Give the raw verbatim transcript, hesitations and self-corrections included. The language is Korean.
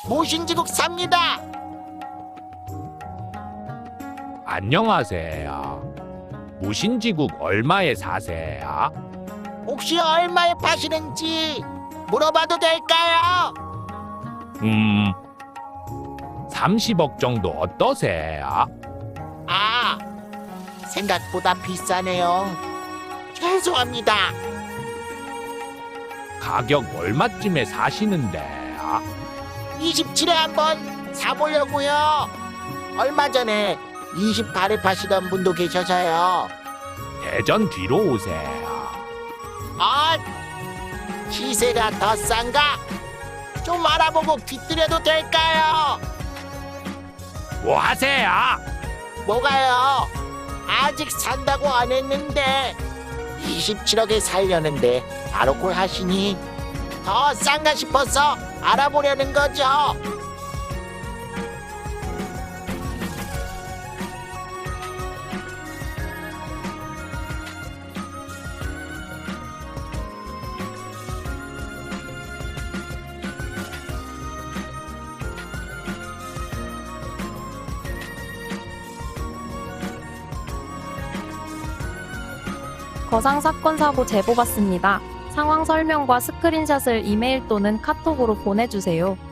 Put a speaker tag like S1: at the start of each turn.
S1: 모신지국 삽니다.
S2: 안녕하세요. 무신지국 얼마에 사세요?
S1: 혹시 얼마에 파시는지 물어봐도 될까요?
S2: 음, 삼십억 정도 어떠세요?
S1: 아, 생각보다 비싸네요. 죄송합니다.
S2: 가격 얼마쯤에 사시는데요?
S1: 이십칠에 한번 사보려고요. 얼마 전에 이십팔에 파시던 분도 계셔서요.
S2: 대전 뒤로 오세요.
S1: 아, 시세가 더 싼가? 좀 알아보고 뒤뜨려도 될까요?
S2: 뭐 하세요?
S1: 뭐가요? 아직 산다고 안 했는데 이십칠억에 살려는데 바로 콜 하시니 더 싼가 싶어서 알아보려는 거죠.
S3: 거상 사건 사고 제보 받습니다. 상황 설명과 스크린샷을 이메일 또는 카톡으로 보내주세요.